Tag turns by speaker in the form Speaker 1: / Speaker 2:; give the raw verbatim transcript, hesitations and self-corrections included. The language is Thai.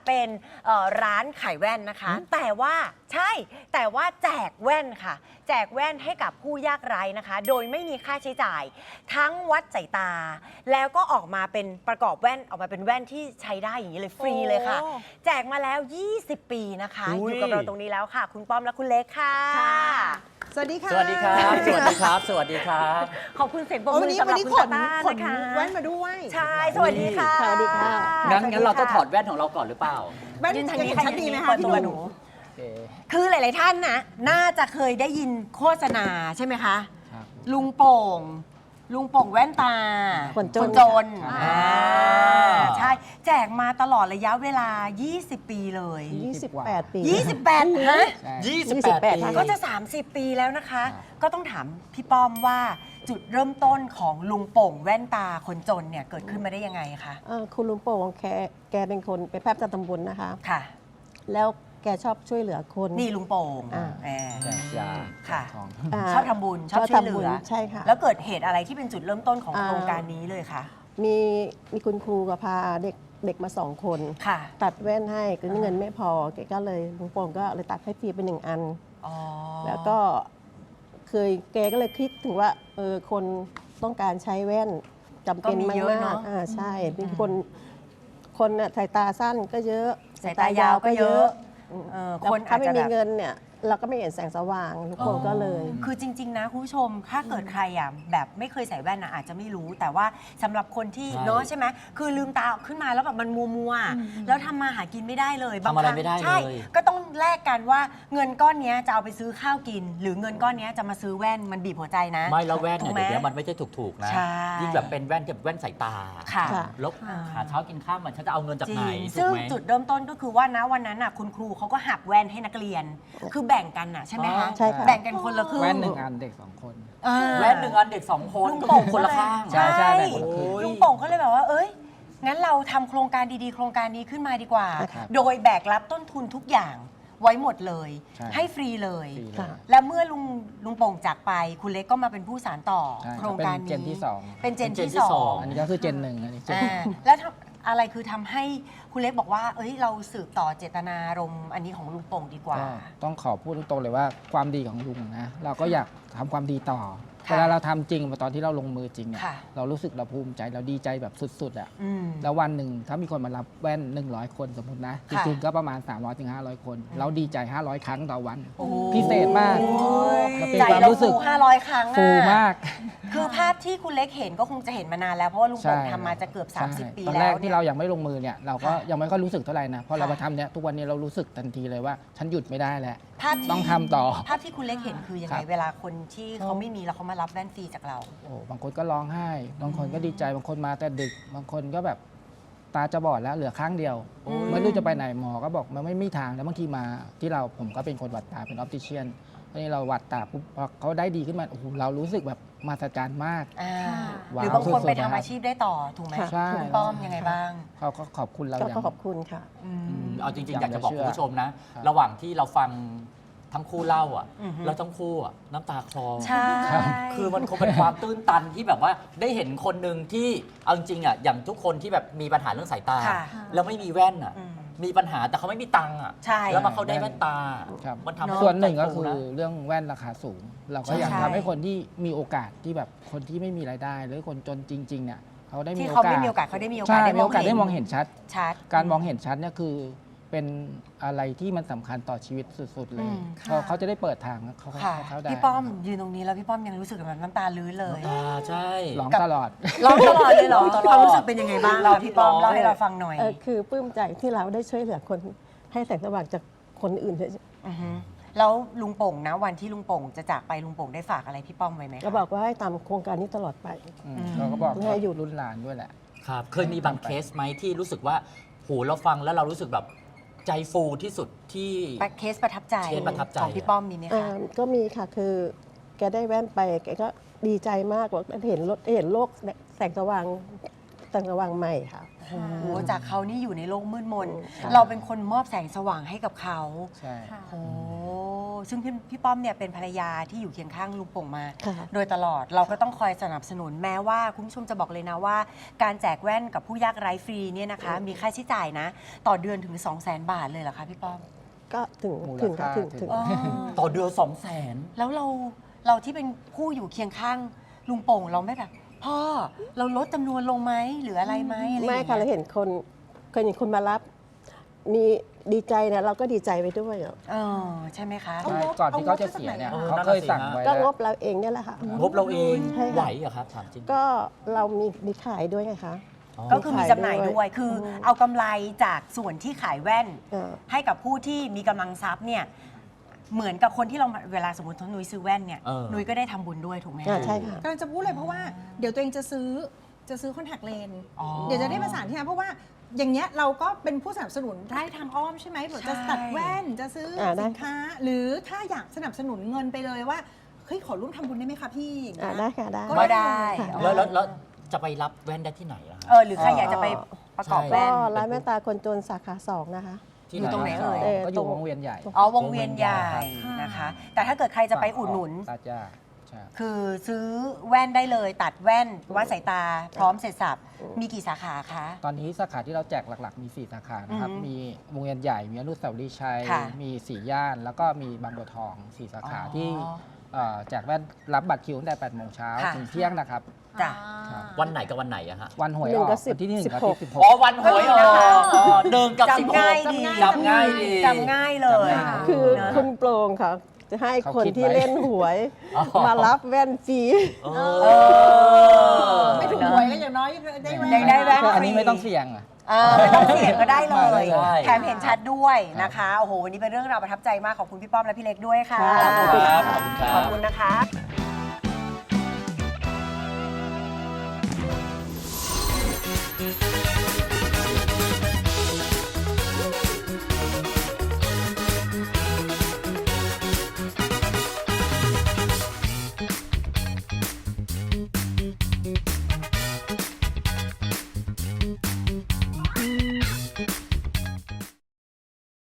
Speaker 1: เป็นร้านขายแว่นนะคะแต่ว่าใช่แต่ว่าแจกแว่นค่ะแจกแว่นให้กับผู้ยากไร้นะคะโดยไม่มีค่าใช้จ่ายทั้งวัดสายตาแล้วก็ออกมาเป็นประกอบแว่นออกมาเป็นแว่นที่ใช้ได้อย่างนี้เลยฟรีเลยค่ะแจกมาแล้วยี่สิบปีนะคะอยู่กับเราตรงนี้แล้วค่ะคุณป้อมและคุณเล็กค่ะ
Speaker 2: สวัสดีค่ะ
Speaker 3: สวัสดีครับสวัสดีครับสวัสดีครับ
Speaker 1: ขอบคุณเสียงปรบมือสำหรับคุณตานะคะ
Speaker 2: แว่นมาด้วย
Speaker 1: ใช่สวัสดีค่ะ
Speaker 2: สวัสดีค่ะ
Speaker 3: งั้นงั้นเราต้องถอดแว่นของเราก่อนหรือเปล่า
Speaker 2: แว่นทางนี้ชัดดีไหมคะพี่หนู
Speaker 1: คือหลายๆท่านนะน่าจะเคยได้ยินโฆษณาใช่ไหมคะลุงโป่งลุงโป่งแว่นตา
Speaker 2: คนจน
Speaker 1: จนใช่แจกมาตลอดระยะเวลายี่สิบปีเลย
Speaker 2: ยี่สิบแปดปี
Speaker 1: ยี่สิบแปดฮะ
Speaker 3: ยี่สิบแปดปี
Speaker 1: ก็จะสามสิบปีแล้วนะคะก็ต้องถามพี่ป้อมว่าจุดเริ่มต้นของลุงโป่งแว่นตาคนจนเนี่ยเกิดขึ้นมาได้ยังไงคะ
Speaker 2: คุณลุงโป่งแกแกเป็นคนเป็นแพทย์ประจำตำบลนะคะ
Speaker 1: ค่ะ
Speaker 2: แล้วแกชอบช่วยเหลือคน
Speaker 1: นี่ลุงโป่ง
Speaker 3: ยา
Speaker 1: ค่ะชอบทำบุญชอบช่วยเหลือ
Speaker 2: ใช่ค่ะ
Speaker 1: แล้วเกิดเหตุอะไรที่เป็นจุดเริ่มต้นของโครงการนี้เลยคะ
Speaker 2: มีมีคุณครูก็พาเด็กเด็กมาสองคน
Speaker 1: ค่ะ
Speaker 2: ตัดแว่นให้ก็เงินไม่พอแกก็เลยลุงโป่งก็เลยตัดให้ฟรีไปหนึ่งอันแล้วก็เคยแกก็เลยคิดถึงว่าเออคนต้องการใช้แว่นจำเป็นมากมากอ่าใช่เป็นคนคนน่ะสายตาสั้นก็เยอะ
Speaker 1: สายตายาวก็เยอะ
Speaker 2: คนถ้าไม่มีเงินเนี่ยเราก็ไม่เห็นแสงสว่างทุกคนก็เลย
Speaker 1: คือจริงๆนะคุณผู้ชมถ้าเกิดใครอ่ะแบบไม่เคยใส่แว่นนะอาจจะไม่รู้แต่ว่าสำหรับคนที่เนาะใช่ไหมคือลืมตาขึ้นมาแล้วแบบมันมัวมัวแล้วทำมาหากินไม่ได้เลย
Speaker 3: บางครั้ง
Speaker 1: ใช่ก็ต้องแลกกันว่าเงินก้อนนี้จะเอาไปซื้อข้าวกินหรือเงินก้อนนี้จะมาซื้อแว่นมันบีบหัวใจนะ
Speaker 3: ไม่แล้วแว่นเนี่ยเดี๋ยวนี้มันไม่ใช่ถูกๆนะยิ่งแบบเป็นแว่นแบบแว่นสายตาลบหาเช้ากินข้าวมันฉันจะเอาเงินจากไหน
Speaker 1: ซึ่งจุดเริ่มต้นก็คือว่านะวันนั้นน่ะคุณครูเขาก็หักแว่นให้นักเรียนคือแบ่งกันน่ะใช่ไหมคะแบ่งกันคนละครึ่ง
Speaker 4: แว่นหนึ่งอันเด็กสองคน
Speaker 3: แว่นหนึ่งอันเด็กสองคน
Speaker 1: ลุงโป่ง
Speaker 3: คนละข้าง
Speaker 1: ใช่ใช่ลุงโป่งก็เลยแบบว่าเอ้ยงั้นเราทำโครงการดีๆโครงการนี้ขึ้นมาดีกว่าโดยแบกรับต้นทุนทุกอย่างไว้หมดเลยให้ฟรีเลยแล้วเมื่อลุงลุงโป่งจากไปคุณเล็กก็มาเป็นผู้สานต่อโครงการนี้
Speaker 4: เป็นเจนที่สอง
Speaker 1: เป็นเจนที่สอง
Speaker 4: อันนี้ก็คือเจนหนึ่งอันนี้เจน
Speaker 1: แล้วอะไรคือทำให้คุณเล็กบอกว่าเอ้ยเราสืบต่อเจตนารมณ์อันนี้ของลุงโป่งดีกว่า
Speaker 4: ต้องขอพูดตรงๆเลยว่าความดีของลุงนะเราก็อยากทำความดีต่อเวลาเราทำจริงตอนที่เราลงมือจริงเนี่ยเรารู้สึกเราภูมิใจเราดีใจแบบสุดๆอ่ะแล้ววันหนึ่งถ้ามีคนมารับแว่นหนึ่งร้อยคนสมมตินะจริงๆก็ประมาณสามร้อยถึงห้าร้อยคนเราดีใจห้าร้อยครั้งต่อวันพิเศษมาก
Speaker 1: มันเป็นความรู้สึกห้าร้อยครั้ง
Speaker 4: ฟูมาก
Speaker 1: คือภาพที่คุณเล็กเห็นก็คงจะเห็นมานานแล้วเพราะว่าลุงโป่งทำมาจะเกือบสามสิบปีแล้วตอน
Speaker 4: แรกที่เรายังไม่ลงมือเนี่ยเราก็ยังไม่ค่อยรู้สึกเท่าไหร่นะพอเรามาทำเนี่ยทุกวันนี้เรารู้สึกทันทีเลยว่าฉันหยุดไม่ได้แล้วต้องทำต่อ
Speaker 1: ภาพที่คุณเล็กเห็นคือยังไงเวลาคนที่เขาไม่มีแล้วเขามารับแว่นฟรีจากเรา
Speaker 4: โอ้บางคนก็ร้องไห้บางคนก็ดีใจบางคนมาแต่ดึกบางคนก็แบบตาจะบอดแล้วเหลือข้างเดียวไม่รู้จะไปไหนหมอก็บอกมันไม่มีทางแล้วบางทีมาที่เราผมก็เป็นคนวัดตาเป็นออปติเชียนทีนี้เราวัดตาปุ๊บพอเขาได้ดีขึ้นมาโอ้โหเรารู้สึกแบบมหัศจรรย์มาก
Speaker 1: หรือบางคนไปทำอาชีพได้ต่อถูกไหมคุณป้อมยังไงบ้าง
Speaker 4: เขาก็ขอบคุณเรา
Speaker 2: ก็ขอบคุณค่ะ
Speaker 3: เอาจริงๆอยากจะบอกคุณผู้ชมนะระหว่างที่เราฟังทั้งคู่เล่าอ่ะแล้วทั้งคู่อ่ะน้ำตาคลอ
Speaker 1: ใช่
Speaker 3: คือมันคงเป็นความตื้นตันที่แบบว่าได้เห็นคนหนึ่งที่เอาจริงอ่ะอย่างทุกคนที่แบบมีปัญหาเรื่องสายตาแล้วไม่มีแว่นอ่ะมีปัญหาแต่เขาไม่มีตังค์อ่ะแล้วมาเขาได้แว่นตา
Speaker 4: มันทำส่วนหนึ่งก็คือเรื่องแว่นราคาสูงเราก็อยากทำให้คนที่มีโอกาสที่แบบคนที่ไม่มีรายได้หรือคนจนจริงๆเนี่ยเขาได้มีโอกาส
Speaker 1: ที่เขาไม่มีโอกาสเขาได้มีโอกาส
Speaker 4: ได้มองเห็นชัดการมองเห็นชัดเนี่ยคือเป็นอะไรที่มันสำคัญต่อชีวิตสุดๆเลยเขาจะได้เปิดทางเขาเขาได้
Speaker 1: พี่ป้อมยืนตรงนี้แล้วพี่ป้อมยังรู้สึกแบบน้ำตาลื้นเลย
Speaker 3: ใช่
Speaker 4: ร้องตลอด
Speaker 1: ร้องตลอดเลยเหรอความรู้สึกเป็นยังไงบ้างเราพี่ป้อมเล่าให้เราฟังหน่อย
Speaker 2: คือปลื้มใจที่เราได้ช่วยเหลือคนให้แสงสว่างจากคนอื่นเฉย
Speaker 1: แล้วลุงโป่งนะวันที่ลุงโป่งจะจากไปลุงโป่งได้ฝากอะไรพี่ป้อมไว้ไหม
Speaker 2: ก็บอกว่าให้ตามโครงการนี้ตลอดไป
Speaker 4: เราก็บอกให้อยู่รุ่นหลานด้วยแหละ
Speaker 3: ครับเคยมีบางเคสไหมที่รู้สึกว่าโหเราฟังแล้วเรารู้สึกแบบใจฟูที่สุดที่
Speaker 1: เคสประทับใจของพี่ป้อมมีไหมคะ
Speaker 2: ก็มีค่ะคือแกได้แว่นไปแกก็ดีใจมากว่าเห็นรถเห็นโลกแสงสว่างแสงสว่างใหม่ค่ะ
Speaker 1: โอ้จากเขานี่อยู่ในโลกมืดมนเราเป็นคนมอบแสงสว่างให้กับเขา
Speaker 4: ใช่
Speaker 1: โอ้ซึ่งพี่พี่ป้อมเนี่ยเป็นภรรยาที่อยู่เคียงข้างลุงโป่งมา
Speaker 2: ค่ะ
Speaker 1: โดยตลอดเราก็ต้องคอยสนับสนุนแม้ว่าคุณผู้ชมจะบอกเลยนะว่า การแจกแว่นกับผู้ยากไร้ฟรีเนี่ยนะคะมีค่าใช้จ่ายนะ ต่อเดือนถึง สองแสน บาทเลยเหรอคะพี่ป้อม
Speaker 2: ก็ถึง
Speaker 4: มูล
Speaker 2: ถึง
Speaker 4: ค่า
Speaker 2: ค่ะถึง
Speaker 4: ถึ
Speaker 2: ถึ
Speaker 4: ง
Speaker 2: ง
Speaker 1: อ๋อ
Speaker 3: ต่อเดือนสองแสน
Speaker 1: แล้วเราเราที่เป็นผู้อยู่เคียงข้างลุงโป่งเราไม่แบบพ่อเราลดจำนวนลงไหมหรืออะไรไหมอะไรอย่าง
Speaker 2: ไม่
Speaker 1: เงี้ย
Speaker 2: ค่ะเราเห็นคนเคยเห็นคนมารับ มีดีใจเนี่ยเราก็ดีใจไปด้วยอะ
Speaker 1: เออใช่ไหมคะ
Speaker 4: ใช่ก่อนที่เขาจะเสียเนี่ย
Speaker 3: เอางบ
Speaker 4: เขาเคยสั่งไว้
Speaker 2: ก็
Speaker 4: แล้ว
Speaker 2: งบเราเองเนี่ยแหละค่ะ
Speaker 3: งบเราเอง
Speaker 2: ใช่ค่ะ
Speaker 3: ไหวเหรอครับถามจริง
Speaker 2: ก็เรามีมีขายด้วยไงคะ
Speaker 3: อ๋อ
Speaker 1: ก็คือมีจำหน่ายด้วย คืออ
Speaker 2: ม
Speaker 1: เอากำไรจากส่วนที่ขายแว่น
Speaker 2: เออ
Speaker 1: ให้กับผู้ที่มีกำลังทรัพย์เนี่ยเหมือนกับคนที่เราเวลาสมมตินุ้ยซื้อแว่นเนี่ย
Speaker 3: เออ
Speaker 1: นุ้ยก็ได้ทำบุญด้วยถูกไหม
Speaker 2: อ่า
Speaker 1: คะ
Speaker 2: ใช่ค่ะ
Speaker 5: กำลังจะพูดเลยเพราะว่าเดี๋ยวตัวเองจะซื้อจะซื้อคอนแทคเลนส์
Speaker 1: อ๋อ
Speaker 5: เดี๋ยวจะได้ประสานที่นั่นเพราะว่าอย่างเงี้ยเราก็เป็นผู้สนับสนุนได้ทางอ้อมใช่ไหมแบบจะ
Speaker 1: ใช่
Speaker 5: ตัดแว่นจะซื้อ
Speaker 2: อ่าได้
Speaker 5: สินค้า หรือถ้าอยากสนับสนุนเงินไปเลยว่าเฮ้ยขอร่วมทำบุญได้ไหมคะพี่อย่าง
Speaker 2: อ่า
Speaker 5: เงี้ย
Speaker 2: ได้ค่ะได้
Speaker 1: ก็ได้
Speaker 2: ค่ะ
Speaker 3: แล้วแล้วแล้วจะไปรับแว่นได้ที่ไหนล่ะฮะ
Speaker 1: เออหรือใครอยากจะไปประกอบ
Speaker 3: ใช่
Speaker 1: แว่
Speaker 2: ก็
Speaker 1: น
Speaker 2: ร้านแม่ตาคนจนสาขาสองนะคะ
Speaker 3: ที่
Speaker 1: อยู่ตรงไหนเอ่ย
Speaker 2: เออ
Speaker 4: ก็อยู่
Speaker 2: ตรง
Speaker 4: วงเวียนใหญ่
Speaker 1: อ๋อวงเวียนใหญ่นะคะ แต่ถ้าเกิดใครจะไปอุดหนุน
Speaker 4: ตาจ้าใช่
Speaker 1: คือซื้อแว่นได้เลยตัดแว่นวัดสายตาพร้อมเสร็จสับมีกี่สาขาคะ
Speaker 4: ตอนนี้สาขาที่เราแจกหลักๆ มี 4 สาขานะครับ
Speaker 1: อือฮึ
Speaker 4: มีวงเวียนใหญ่ มีอนุสาวรีย์ชัย
Speaker 1: ค่ะ
Speaker 4: มีสีย่าน แล้วก็มีบางบัวทอง สี่ สาขา
Speaker 1: อ๋อ
Speaker 4: ที่เอ่อแจกแว่นรับบัตรคิวตั้งแต่ แปด โมงเช้า
Speaker 1: ค่ะ
Speaker 4: ถึงเที่ยงนะครับ
Speaker 1: จ้ะ
Speaker 3: วันไหนกับวันไหนอะฮะ
Speaker 4: วันหวย
Speaker 2: หนึ่
Speaker 4: อง อก
Speaker 2: กับสิบ
Speaker 4: วันที่หนึ่ง
Speaker 2: สิบ
Speaker 4: กับ
Speaker 2: หก
Speaker 4: ที่สิบห
Speaker 3: อ๋อก วันหวยออกอ๋อหนึ่งกับสิบ
Speaker 1: จำ
Speaker 3: ห
Speaker 1: ง่าย
Speaker 3: ก
Speaker 1: ดี
Speaker 3: จำง่ายดี
Speaker 1: จำง่ายเลย
Speaker 4: จำง่าย
Speaker 2: คือ
Speaker 1: นะ
Speaker 2: คุณโปร่งค่ะ จะให้
Speaker 4: เขา
Speaker 2: คน
Speaker 4: คิด
Speaker 2: ที่
Speaker 4: ไว้
Speaker 2: เล่นหวย
Speaker 3: อ๋อ
Speaker 2: มารับแว่นฟรี
Speaker 3: เอ
Speaker 1: เอ
Speaker 3: อ
Speaker 1: อ
Speaker 5: ไม่ถูกหวยก็อย่างน้อยได้แว่น
Speaker 1: ได้ได้แว่น
Speaker 4: อันนี้ไม่ต้องเสี่ยงอะ
Speaker 1: เออไม่ต้องเสี่ยงก็ได้เลย
Speaker 3: ใช่
Speaker 1: แถมเห็นชัดด้วยนะคะ โอ้โห วันนี้เป็นเรื่องราวประทับใจมาก ขอบคุณพี่ป้อมและพี่เล็กด้วยค่ะ
Speaker 2: ค่ะ
Speaker 3: ขอบคุณครับขอบคุณค
Speaker 1: ข
Speaker 3: รั
Speaker 1: อบบ คุณนะคะ